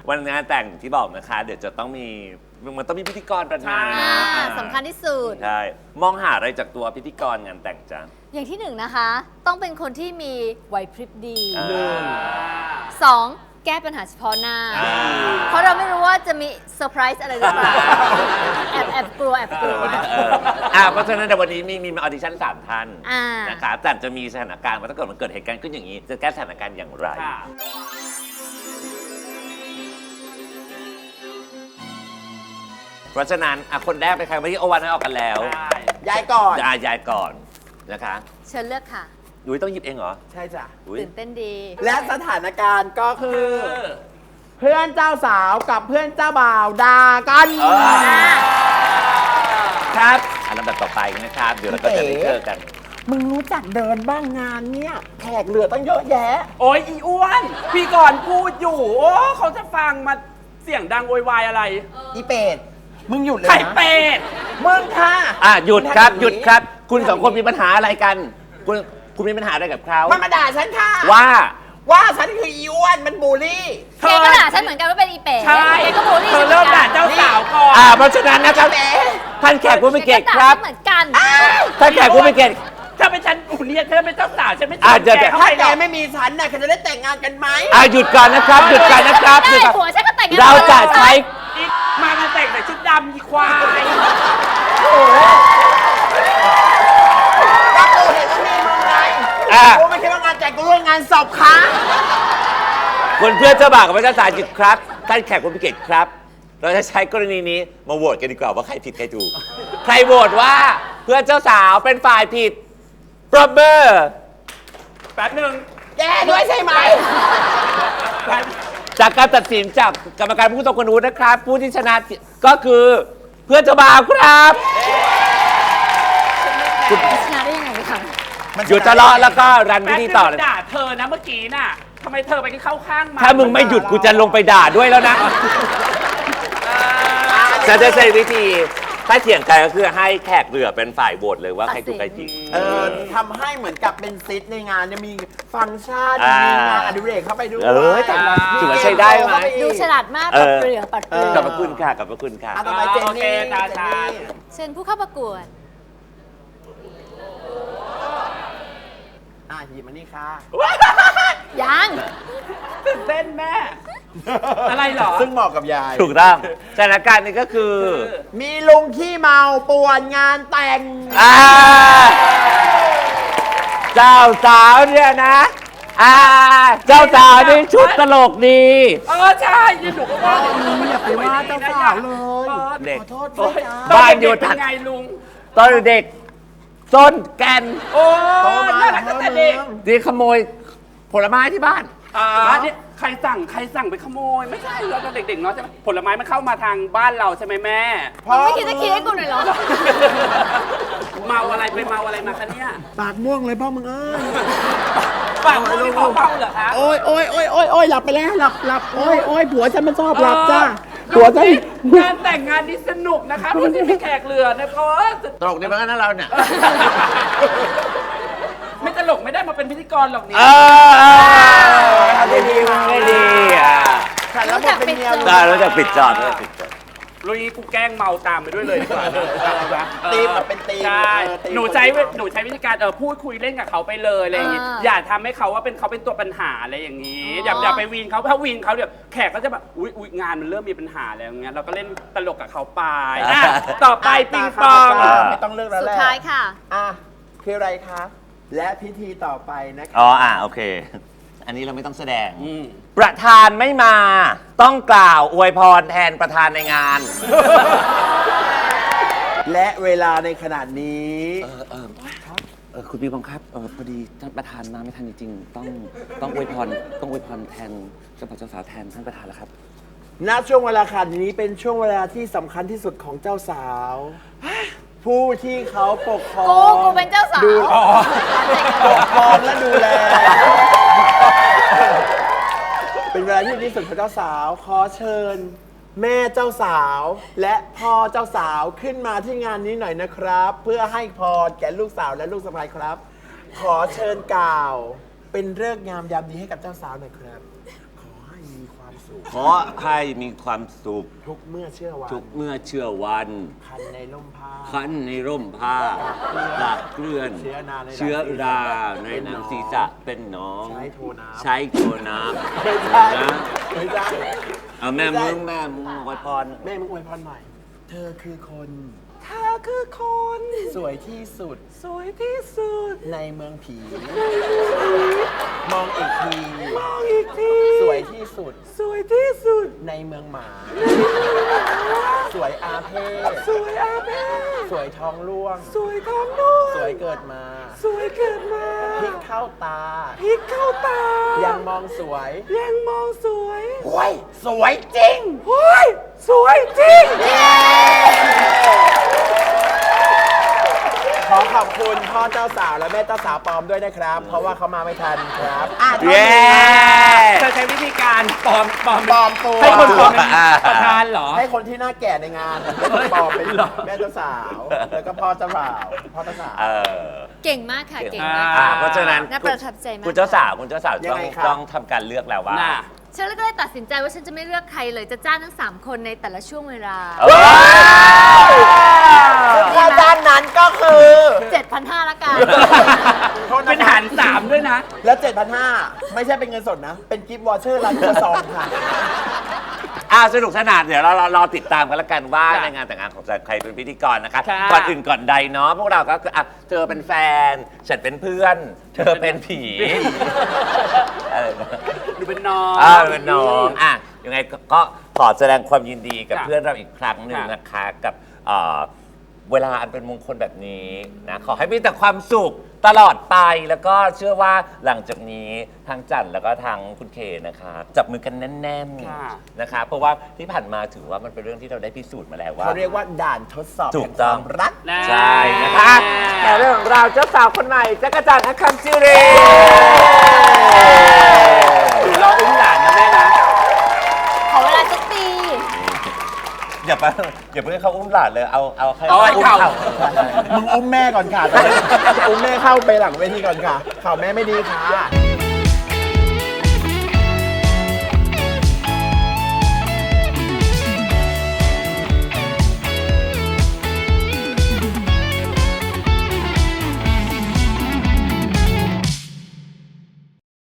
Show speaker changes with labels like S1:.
S1: วันงานแต่งที่บอกนะคะ เดี๋ยวจะต้องมีมันต้องมีพิธีกรประธานนะ
S2: สำคัญที่สุด
S1: ใช่มองหาอะไรจากตัวพิธีกรงานแต่งจ้ะ
S2: อย่างที่หนึ่งนะคะ ต้องเป็นคนที่มีไหวพริบดี สองแก้ปัญหาเฉพาะหน้า เพราะเราไม่รู้ว่าจะมีเซอร์ไพรส์อะไรหรือเปล่า แอบกลัว
S1: เพราะฉะนั้นในวันนี้มีออดิชั่น3 ท่านนะคะแต่จะมีสถานการณ์ว่าถ้าเกิดมันเกิดเหตุการณ์ขึ้นอย่างนี้ จะแก้สถานการณ์อย่างไร เพราะฉะนั้นคนแรกเป็นใครเมื่อกี้โอวันให้ออกกันแล้ว
S3: ยายก่อน
S1: ยายก่อนนะคะ
S2: เชิญเลือกค่ะ
S1: ยุ้ยต้องหยิบเองเหรอ
S3: ใช่จ้ะ
S2: ตื่นเต้นดี
S3: และสถานการณ์ก็คือ เพื่อนเจ้าสาวกับเพื่อนเจ้าบ่าวด่ากัน
S1: ครับลำดับต่อไปนะครับ เดี๋ยวเราก็จะได้เจอกัน
S3: มึงรู้จักเดินบ้างงานเนี่ยแขกเหลือตั้งเยอะแยะ
S4: โอ้ยอีอ้วน พี่ก่อนพูดอยู่ โอ้เขาจะฟังมาเสียงดังโวยวายอะไร
S3: อีเป็ด มึงหยุดเลย
S4: ไข่
S3: นะ
S4: เป็ด
S3: มึงค่ะ
S1: หยุดครับหยุดครับ คุณสองคนมีปัญหาอะไรกัน คุณมีปัญหาอะไรกับเขา
S3: มันมาด่าฉันค่ะ
S1: ว่า
S3: ฉันคืออีอ้วนมันบูลลี่
S2: เกก็ด่าฉันเหมือนกันว่าเป็นอีเป๋
S4: ใช่
S2: เกก็บูลลี่
S4: เธ
S2: ฉั
S4: อน
S2: เหมื
S4: เริ่
S2: อ
S4: ม
S2: นกั
S4: ด่าน เจ้าสาวก่อน
S1: เพราะฉะนั้นนะครับท่านแขกผู้มีเกียรติครับ
S2: เหมือนกัน
S1: ท่านแขกผู้มีเกียรติ
S4: ถ้าเป็นฉันอุเนี่ยเธอเป็นเจ้าสาวฉันไม่
S1: เดี๋ยว
S4: แกเข้า
S3: ถ้า
S4: ไป
S3: แก
S4: หรอก
S3: ไม่มีฉันน่ะแกจะได้แต่งงานกันไหม
S1: หยุดก่อนนะครับหยุดก่อนนะครับ
S2: ได้ผัวฉันก็แต่งงาน
S1: เราจะใช้
S4: อีมากันแต่งใส่ชุดดำอีควาย
S3: ก็กูเห็นว่ามีมึงไงกูไม่คิดว่างานแต่งกูร่วมงานศพค่ะ
S1: คนเพื่อนเจ้าบ่าวกับพระเจ้าสาวหยุดครับท่านแขกผู้มีเกียรติครับ เราจะใช้กรณีนี้มาโหวตกันดีกว่าว่าใครผิดใครถูก ใครโหวตว่าเพื่อนเจ้าสาวเป็นฝ่ายผิดปรบมือ
S4: แป๊บหนึง
S3: แกด้วยใช่ไหม
S1: จากการตัดสินจากกรรมการผู้ทรงคุณวุฒินะครับ ผู้ที่ชนะก็คือเพื่อนเจ้าบ่าวครับ
S2: ชนะได้ยังไงคะ
S1: หยุดทะเลาะแล้วก็รันพิ
S4: แป๊บ
S1: ธี
S4: หนึง
S1: ต่อเลย
S4: ด่าเธอนะเมื่อกี้น่ะทำไมเธอไปเข้าข้างมา
S1: ถ้ามึงไม่หยุดกูจะลงไปด่าด้วยแล้วนะจะได้ใช้วิธีถ้าเถียงกันก็คือให้แขกเรือเป็นฝ่ายโหวตเลยว่าใครถูกใครผิด
S3: ทำให้เหมือนกับเป็นซิทในงานเนี่ยมีฟังก์ชันมีงานอดิเรกเข้าไปด้วย
S1: แต่ถือว่าใช้ได้ไหม
S2: ดูฉลาดมากปัดเปลือกปัดเปลื
S1: ข
S2: อ
S1: อบพระคุณค่ะขอบพระคุณค่ะ
S3: ต่อไปเจน
S4: โอเค
S3: นี่
S4: ตาชาญ
S2: เชิญผู้เข้าประกวด
S3: หยิบมานี่ค่ะ
S2: ยัง
S4: ตื่นเต้นแม่ อะไรเหรอ
S3: ซึ่งเหมาะกับยาย
S1: ถูกต้องสถานการณ์นี้ก็คือ
S3: มีลุงขี้เมาป่วนงานแต่ง
S1: เจ้าสาวเนี่ยนะเจ้าสาวนี่ชุดตลกดี
S4: ใช่ยืนหนูก็ว่า
S3: อย่าไปว่าเจ้าสาวเลย
S1: เด็ก
S3: ขอโทษด้วยจ้า
S1: บ้านอยู่
S4: เป็
S1: ถัด
S4: นไงลุง
S1: ตอนเด็กส้นแกน
S4: โอ้น่ารักตั้งแต่เด็ก
S1: นี่ขโมยผลไม้ที่บ้าน
S4: เนี่ยใครสั่งไปขโมย ไม่ใช่เราตอนเด็กๆเนาะใช่ไหมผลไม้มันเข้ามาทางบ้านเราใช่ไหมแม่
S2: ไม่คิดจะคิดให้กูหน่อยเหรอ
S4: เมาอะไรไปเมาอะไรมาคะเนี่ย
S3: ปากม่วงเลยพ่อมึงเอ้ย
S4: ปากพูดที่เขาเมาเหรอคะ
S3: โอ้ยหลับไปแล้วหลับโอ้ยผัวฉันมันชอบหลับจ้าผัวฉัน
S4: งานแต่งงานนี้สนุกนะคะเพราะที่มีแขกเรือนะเพราะว่า
S1: ตลกดีเหมือนกันนะเราเนี่ย
S4: ไม่ตลกไม่ได้มาเป็นพิธีกรหรอกนี่
S1: ไม่ดีไม่ดี
S3: ฉันแล้วมันเป็นเมีย
S1: ได้แล้วจะปิดจอดแล้วปิดจอด
S4: ลุยกูแกล้งเมาตามไปด้วยเลยดีกว่า
S3: ตีมแบบเป็นตีม
S4: ใช่หนูใช้วิธีการพูดคุยเล่นกับเขาไปเลยอะไรอย่างงี้อย่าทำให้เขาว่าเขาเป็นตัวปัญหาอะไรอย่างนี้อย่าไปวีนเขาถ้าวีนเขาเดี๋ยวแขกก็จะแบบอุ๊ยงานมันเริ่มมีปัญหาแล้วอย่างเงี้ยเราก็เล่นตลกกับเขาไปต่อไปปิงปอง
S3: ไม่ต้องเลือกแล้ว
S2: สุ
S3: แห
S2: ด
S3: ละ
S2: ท้ายค่ะ
S3: คืออะไรคะและพิธีต่อไปนะคะ
S1: โอเค อันนี้เราไม่ต้องแสดง ประธานไม่มา ต้องกล่าวอวยพรแทนประธานในงาน
S3: และเวลาในขนาดนี้
S1: คุณปีบังครับพอดีท่านประธานมาไม่ทันจริงๆต้องอวยพรแทนเจ้าบ่าวเจ้าสาวแทนท่านประธานแล้วครับ
S3: ณช่วงเวลาขนาดนี้เป็นช่วงเวลาที่สำคัญที่สุดของเจ้าสาว ผู้ที่เขาปกครอง
S2: กูเป็นเจ้าสาว
S3: ปกครองและดูแล เป็นเวลาที่ดีที่สุดของเจ้าสาว ขอเชิญ แม่เจ้าสาว และพ่อเจ้าสาวขึ้นมาที่งานนี้หน่อยนะครับ เพื่อให้พรแก่ลูกสาวและลูกสะใภ้ครับ ขอเชิญกล่าว เป็นฤกษ์งามยามดีให้กับเจ้าสาวหน่อยครับ ขอให้มีความสุข
S1: ขอให้มีความสุข
S3: ทุกเมื่อเชื่อวัน
S1: ทุกเมื่อเชื่อวัน
S3: คันในร่มผ้า
S1: คันในร่มผ้าหลักเกลื่อน
S3: เชื้อราใน
S1: เชื้อราในหนังศีรษะเป็นหนอง
S3: ใช้โทน้ำ
S1: ใช้โทน้ำ
S3: ไม่ใช่
S1: นะ
S3: ไม่ใช่
S1: เอาแม่มึงอวยพร
S3: แม่มึงอวยพรหน่อย เธอคือคน
S4: เธอคือคน
S3: สวยที่สุด
S4: สวยที่สุด
S3: ในเมืองผี มองอีกที
S4: มองอีกที
S3: สวยที่สุด
S4: สวยที่สุด
S3: ในเมืองหมา สวยอาเพศ
S4: สวยอาเพศ
S3: สวยท้องร่วง
S4: สวยท้องด้วย
S3: สวยเกิดมา
S4: สวยเกิดมา
S3: พริกเข้าตา
S4: พริกเข้าตา
S3: ยังมองสวย
S4: ยังมองสวย
S3: โอ้ยสวยจริง
S4: เฮ้ยสวยจริง
S3: ขอขอบคุณพ่อเจ้าสาวและแม่เจ้าสาวปลอมด้วยนะครับ เพราะว่าเขามาไม่ทันครับ
S1: เย้
S4: เธอใช้วิธีการปลอม
S3: ปลอมตัว
S4: ให้คนปลอมเป็นประธานเหรอ
S3: ให้คนที่หน้าแก่ในงานแล้วก็ปลอมเป็นแม่เจ้าสาว แล้วก็พ่อเจ้าบ่าวพ่อเจ้าสาว
S2: เก่งมากค่ะ เก่งมาก
S1: เพราะฉะนั้น
S2: น่าประทับใจมาก
S1: คุณเจ้าสาว
S3: ยังไงครับ
S1: ต้องทำการเลือกแล้วว่า
S4: น่ะ
S2: ฉันก็เลยตัดสินใจว่าฉันจะไม่เลือกใครเลยจะจ้างทั้ง 3 คนในแต่ละช่วงเวลา
S3: ค่าจ้างนั้นก็คือ
S2: 7,500ละกัน
S4: เป็นหาร3ด้วยนะ
S3: แล้ว 7,500 ไม่ใช่เป็นเงินสดนะ เป็นกิฟต์วอเชอร์ร้านครัวซองค่ะ
S1: สนุกสนานเดี๋ยวเรารอติดตามกันแล้วกันว่า
S4: ค่ะ
S1: ในงานแต่งงานของใครเป็นพิธีกรนะคะ
S4: ค่ะ
S1: ก่อนอื่นก่อนใดเนาะพวกเราก็คือเธอเป็นแฟน ฉันเป็นเพื่อน เธอเป็นผีอะไรนะ
S4: ดูเป็นน้อง
S1: เป็นน้องยังไงก็ขอแสดงความยินดีกับ
S4: ค่ะ
S1: เพื่อนเราอีกครั้งหนึ่ง
S4: ค่ะ
S1: นะคะกับเวลาอันเป็นมงคลแบบนี้นะขอให้มีแต่ความสุขตลอดไปแล้วก็เชื่อว่าหลังจากนี้ทางจันแล้วก็ทางคุณเคนะคะจับมือกันแน่น
S4: ค่ะ
S1: ๆนะคะเพราะว่าที่ผ่านมาถือว่ามันเป็นเรื่องที่เราได้พิสูจน์มาแล้วว่า
S3: เขาเรียกว่าด่านทดสอบ
S1: ถูก
S3: แห่ง
S1: ต้
S3: ค
S1: อง
S3: วามรัก
S1: ใช่นะคะแต่เรื่องของเราเจ้าสาวคนใหม่จักรจันทร์อคัมซิรี
S4: หรือรออุ้มหลานนะแม่นะ
S2: ขอเวลาสักปี
S1: อย่าเพิ่งให้เขาอุ้มหลานเลยเอาแค่
S4: เอาให้
S1: อุ้ม
S4: เข่า
S3: มึงอุ้มแม่ก่อนค่ะ อุ้มแม่เข้าไปหลังเวทีก่อนค่ะข่าวแม่ไม่ดีค่ะ